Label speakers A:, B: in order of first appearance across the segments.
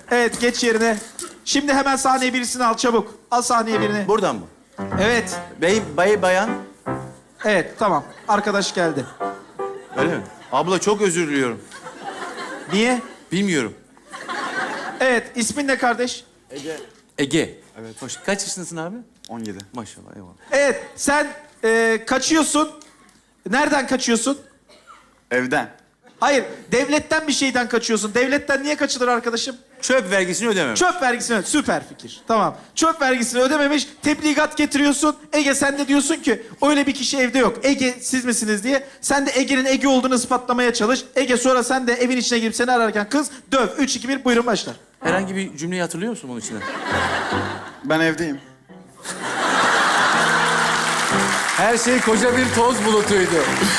A: Evet, geç yerine. Şimdi hemen sahneye birisini al çabuk. Al sahneye birini.
B: Buradan mı?
A: Evet.
B: Bey, bayan.
A: Evet, tamam. Arkadaş geldi.
B: Öyle mi? Abla çok özür diliyorum.
A: Niye?
B: Bilmiyorum.
A: Evet, ismin ne kardeş?
B: Ege.
C: Evet.
B: Hoş. Kaç yaşındasın abi?
C: 17.
B: Maşallah, eyvallah.
A: Evet, sen kaçıyorsun. Nereden kaçıyorsun?
C: Evden.
A: Hayır, devletten bir şeyden kaçıyorsun. Devletten niye kaçılır arkadaşım?
B: Çöp vergisini ödemem.
A: Çöp vergisini öde. Süper fikir. Tamam. Çöp vergisini ödememiş, tebligat getiriyorsun. Ege sen de diyorsun ki öyle bir kişi evde yok. Ege siz misiniz diye. Sen de Ege'nin Ege olduğunu ispatlamaya çalış. Ege sonra sen de evin içine girip seni ararken kız döv. 3, 2, 1 buyurun başlar.
B: Herhangi bir cümleyi hatırlıyor musun bunun içinden?
C: Ben evdeyim.
D: Her şey koca bir toz bulutuydu.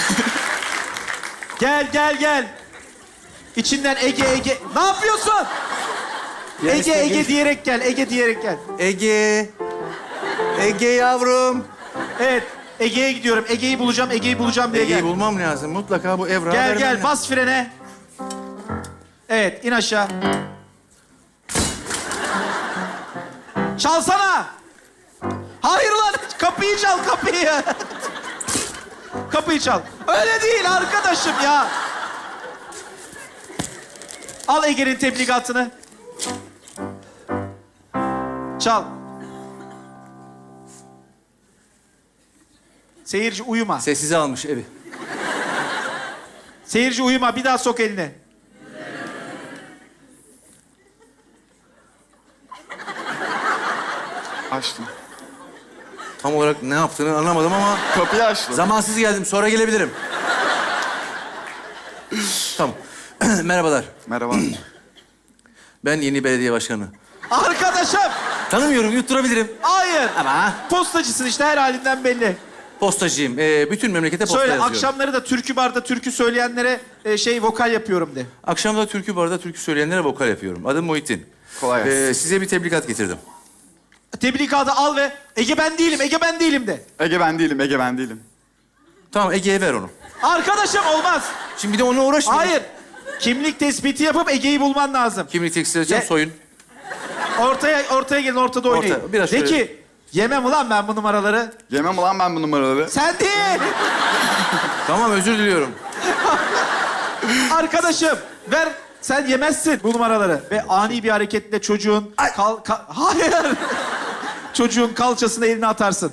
A: Gel gel gel. İçinden Ege. Ne yapıyorsun? Ege diyerek gel. Ege diyerek gel.
B: Ege. Ege yavrum.
A: Evet. Ege'ye gidiyorum. Ege'yi bulacağım diye
B: Ege'yi
A: gel.
B: bulmam lazım. Mutlaka bu evrağı
A: Gel
B: vermem
A: gel
B: lazım.
A: bas frene. Evet in aşağı. Çalsana. Hayır lan kapıyı çal kapıyı. Kapıyı çal. Öyle değil arkadaşım ya. Al Ege'nin tebligatını. Çal. Seyirci uyuma.
B: Sessize almış evi.
A: Seyirci uyuma. Bir daha sok elini.
C: Açtım.
B: Tam olarak ne yaptığını anlamadım ama
C: Kapıyı açtım.
B: zamansız geldim. Sonra gelebilirim. Tamam. Merhabalar.
C: Merhaba.
B: Ben yeni belediye başkanı.
A: Arkadaşım.
B: Tanımıyorum, yutturabilirim.
A: Hayır.
B: Ama
A: Postacısın işte her halinden belli.
B: postacıyım. Bütün memlekete posta
A: Söyle
B: yazıyorum.
A: akşamları da türkü barda türkü söyleyenlere vokal yapıyorum de.
B: Akşamda türkü barda türkü söyleyenlere vokal yapıyorum. Adım Muhittin.
C: Kolay gelsin.
B: Size bir tebligat getirdim.
A: Tebligatı al ve Ege ben değilim de.
C: Ege ben değilim.
B: Tamam, Ege'ye ver onu.
A: Arkadaşım olmaz.
B: Şimdi bir de onunla uğraşmayın.
A: Hayır. Kimlik tespiti yapıp Ege'yi bulman lazım.
B: Kimlik tekstil edeceğim,
A: Ye-
B: soyun.
A: Ortaya gelin ortada oynayın.
B: Orta, biraz
A: De
B: şöyle.
A: ki yemem ulan ben bu numaraları.
C: Yemem ulan ben bu numaraları.
A: Sen değil.
B: Tamam, özür diliyorum.
A: Arkadaşım ver. Sen yemezsin bu numaraları. Ve ani bir hareketle çocuğun hayır. Çocuğun kalçasına elini atarsın.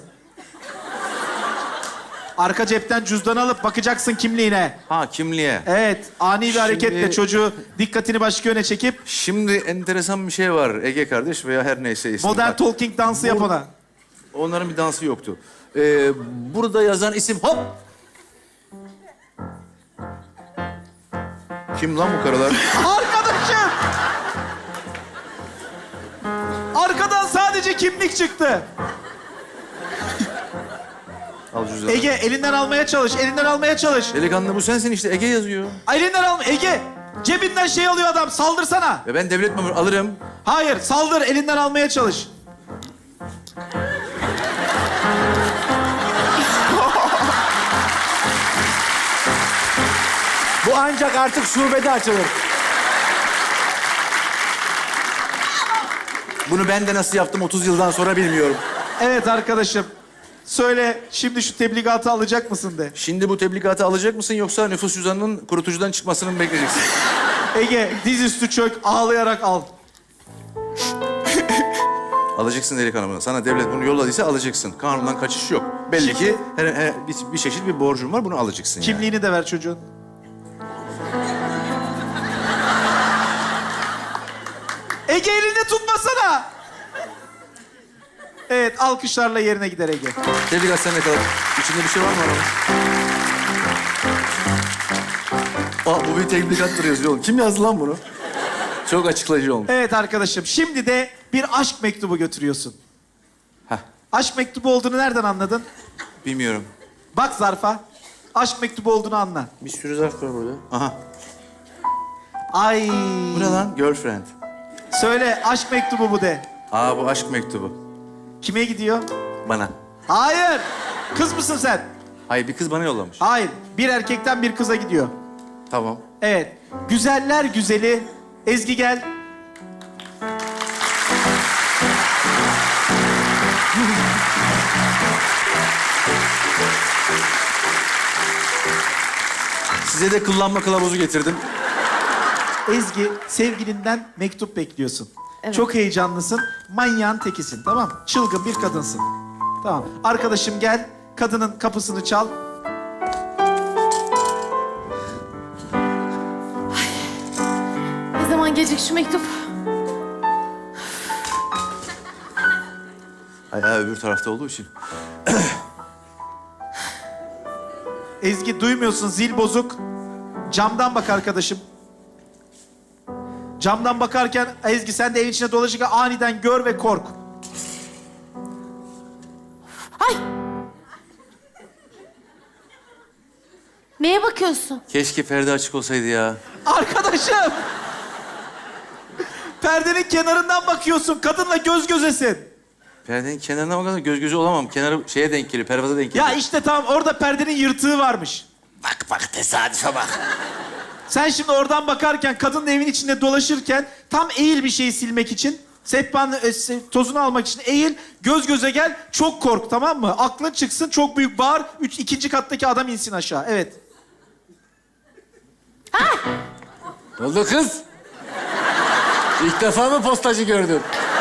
A: Arka cepten cüzdanı alıp bakacaksın kimliğine.
B: Ha, kimliğe.
A: Evet, ani bir hareketle
B: Şimdi-
A: çocuğu dikkatini başka yöne çekip
B: Şimdi enteresan bir şey var Ege kardeş veya her neyse ismi.
A: modern
B: Bak,
A: talking dansı yap ona.
B: onların bir dansı yoktu. Burada yazan isim hop. Kim lan bu karalar?
A: Arkadaşım! Arkadan sadece kimlik çıktı.
B: Al cüzdanı.
A: Ege elinden almaya çalış, elinden almaya çalış.
B: Delikanlı bu sensin işte, Ege yazıyor.
A: Elinden alma, Ege! Cebinden şey alıyor adam, saldırsana.
B: Ve ben devlet memuru alırım.
A: Hayır, saldır, elinden almaya çalış.
D: Bu ancak artık şubede açılır.
B: Bunu ben de nasıl yaptım 30 yıldan sonra bilmiyorum.
A: Evet arkadaşım. Söyle, şimdi şu tebligatı alacak mısın de.
B: Şimdi bu tebligatı alacak mısın yoksa nüfus cüzdanının kurutucudan çıkmasını mı bekleyeceksin?
A: Ege, dizüstü çök, ağlayarak al.
B: Alacaksın delikanlı. Sana devlet bunu yolladıysa alacaksın. Kanundan kaçış yok. Belli
A: Şimdi-
B: ki bir çeşit bir borcun var, bunu alacaksın yani.
A: Kimliğini de ver çocuğun. Ege elini tutmasana. Evet, alkışlarla yerine gider Ege.
B: Tebligat sen ne kadar? İçinde bir şey var mı adamın? Bu bir tebligattır yazıyor oğlum. Kim yazdı lan bunu? Çok açıklayıcı olmuş.
A: Evet arkadaşım, şimdi de bir aşk mektubu götürüyorsun.
B: Heh,
A: Aşk mektubu olduğunu nereden anladın?
B: bilmiyorum.
A: Bak zarfa. Aşk mektubu olduğunu anla.
B: Bir sürü zarf var burada. Aha.
A: Ay.
B: Bu ne lan? Girlfriend.
A: Söyle, aşk mektubu bu de.
B: Bu aşk mektubu.
A: Kime gidiyor?
B: Bana.
A: Hayır. Kız mısın sen?
B: Hayır, bir kız bana yollamış.
A: Hayır. Bir erkekten bir kıza gidiyor.
B: Tamam.
A: Evet. Güzeller güzeli. Ezgi gel.
B: Size de kullanma kılavuzu getirdim.
A: Ezgi, sevgilinden mektup bekliyorsun.
E: Evet.
A: Çok heyecanlısın. Manyağın tekisin, tamam mı? Çılgın bir kadınsın. Tamam. Arkadaşım gel, kadının kapısını çal.
E: Ne zaman gelecek şu mektup?
B: Ayağı öbür tarafta olduğu için.
A: Ezgi duymuyorsun, zil bozuk. Camdan bak arkadaşım. Camdan bakarken Ezgi sen de evin içine dolaşırken aniden gör ve kork.
E: Ay! Neye bakıyorsun?
B: Keşke perde açık olsaydı ya.
A: Arkadaşım! Perdenin kenarından bakıyorsun. Kadınla göz gözesin.
B: Perdenin kenarına bakalım, göz göze olamam. Kenarı şeye denk geliyor, pervaza denk geliyor.
A: Ya işte tamam orada perdenin yırtığı varmış.
B: Bak tesadüfe bak.
A: Sen şimdi oradan bakarken kadının evin içinde dolaşırken tam eğil bir şeyi silmek için. Sehpanın tozunu almak için eğil, göz göze gel, çok kork, tamam mı? Aklın çıksın, çok büyük bağır, ikinci kattaki adam insin aşağı. Evet.
D: Ne oldu kız? İlk defa mı postacı gördün?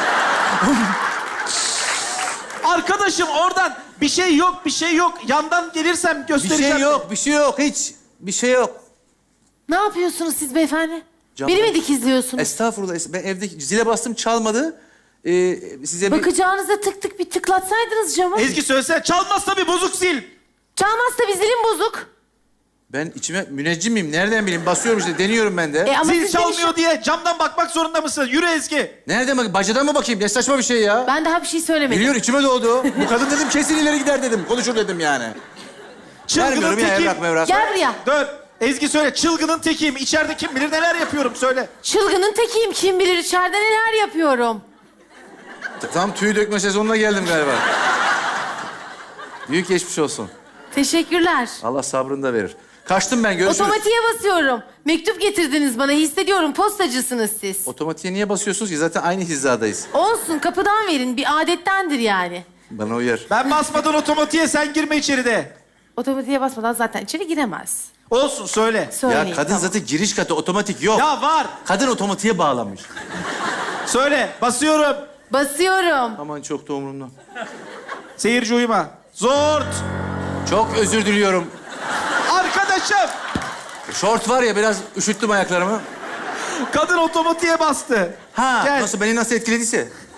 A: Arkadaşım oradan bir şey yok, bir şey yok. Yandan gelirsem
B: Bir
A: göstereceğim.
B: şey yok, bir şey yok hiç. Bir şey yok.
E: Ne yapıyorsunuz siz beyefendi?
B: Camdan-
E: Beni mi dikizliyorsunuz?
B: Estağfurullah. Ben evde zile bastım, çalmadı. Size bir...
E: Bakacağınıza tık tık bir tıklatsaydınız camı.
A: Ezgi söylesene, çalmaz tabii, bozuk sil.
E: Çalmazsa bir zilim bozuk.
B: Ben içime müneccim miyim? Nereden bileyim? Basıyorum işte, deniyorum ben de.
E: Ama
A: Zil
E: siz beni
A: çalmıyor diye camdan bakmak zorunda mısın? Yürü Ezgi.
B: Nereden bak? Bacadan mı bakayım? Ne saçma bir şey ya.
E: Ben daha bir şey söylemedim.
B: Biliyor, içime doğdu. Bu kadın dedim kesin ileri gider dedim. Konuşur dedim yani.
A: Çılgının
B: Vermiyorum ya
A: tekiyim.
B: evrak mevrak.
E: Gel buraya.
A: Dön. Ezgi söyle, çılgının tekiyim. İçeride kim bilir neler yapıyorum, söyle.
E: Çılgının tekiyim. Kim bilir içeride neler yapıyorum.
B: Tam tüy dökme sezonuna geldim galiba. Büyük geçmiş olsun.
E: Teşekkürler.
B: Allah sabrını da verir. Kaçtım ben, görüşürüz.
E: Otomatiğe basıyorum. Mektup getirdiniz bana. Hissediyorum. Postacısınız siz.
B: Otomatiğe niye basıyorsunuz ki? Zaten aynı hizadayız.
E: Olsun. Kapıdan verin. Bir adettendir yani.
B: Bana uyar.
A: Ben basmadan otomatiğe, sen girme içeride.
E: Otomatiğe basmadan zaten içeri giremez.
A: Olsun, söyle.
E: Söyleyin.
B: Ya kadın
E: tamam.
B: zaten giriş katı, otomatik yok.
A: Ya var.
B: Kadın otomatiğe bağlamış.
A: Söyle, basıyorum.
E: Basıyorum.
B: Aman çok da umurumda.
A: Seyirci uyuma. Zort.
B: Çok özür diliyorum.
A: Arkadaşım,
B: Şort var ya, biraz üşüttüm ayaklarımı.
A: kadın otomatiğe bastı.
B: Ha,
A: Gel.
B: nasıl, beni nasıl etkilediyse.